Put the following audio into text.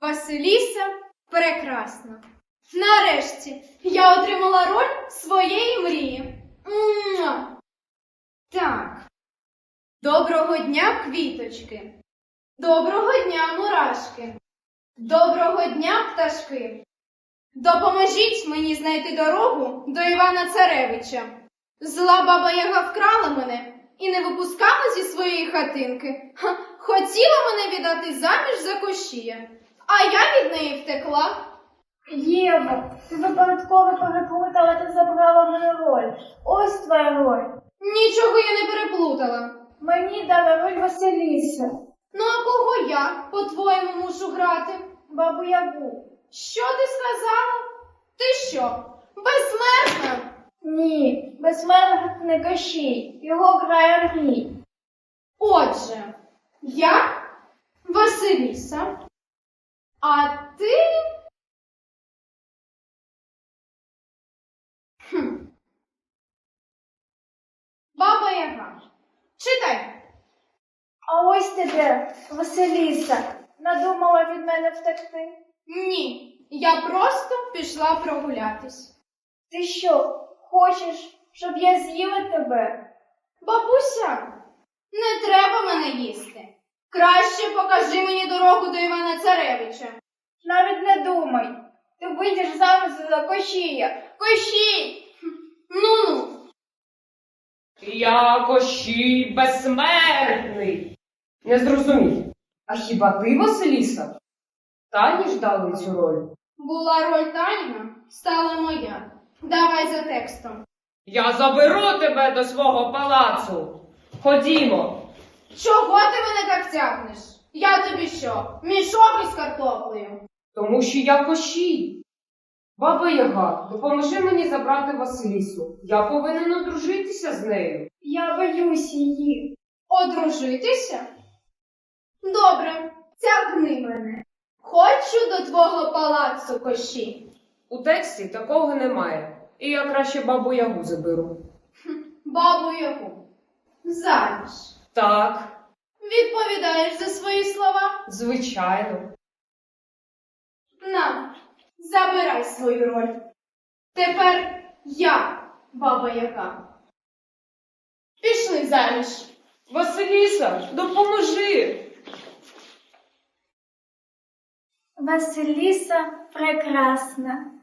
Василіса прекрасна. Нарешті я отримала роль своєї мрії. Муа! Так. Доброго дня, квіточки. Доброго дня, мурашки. Доброго дня, пташки. Допоможіть мені знайти дорогу до Івана Царевича. Зла баба Яга вкрала мене і не випускала зі своєї хатинки. Хотіла мене віддати заміж за Кощія, а я від неї втекла. Єво, ти випадково переплутала та забрала мене роль. Ось твоя роль. Нічого я не переплутала. Мені дала роль Василіса. Ну а кого я, по-твоєму, мушу грати? Бабу Ягу. Що ти сказала? Ти що, безсмертна? Ні, безсмертний Кощій. Його грає Андрій. Отже, я Василіса, а ти... Баба Яга. Читай. А ось ти де, Василіса. Надумала від мене втекти. Ні, я просто пішла прогулятись. Ти що, хочеш, щоб я з'їла тебе? Бабуся, не треба мене їсти. Краще покажи мені дорогу до Івана Царевича. Навіть не думай. Ти вийдеш заміж за Кощія. Кощій! Ну-ну. Я Кощій безсмертний. Не зрозумів. А хіба ти, Василіса? Тані ж дали цю роль. Була роль Таніна, стала моя. Давай за текстом. Я заберу тебе до свого палацу. Ходімо. Чого ти мене так тягнеш? Я тобі що, мішок із картоплею? Тому що я Кощій. Баба Яга, допоможи мені забрати Василісу. Я повинен одружитися з нею. Я боюсь її. Одружитися? Добре, тягни мене. Хочу до твого палацу, Кощій. У тексті такого немає. І я краще бабу Ягу заберу. Бабу Ягу. Заміж. Так, Відповідаєш за свої слова? звичайно. На, забирай свою роль. Тепер я, баба Яга. Пішли заміж. Василіса, допоможи. Василіса прекрасна.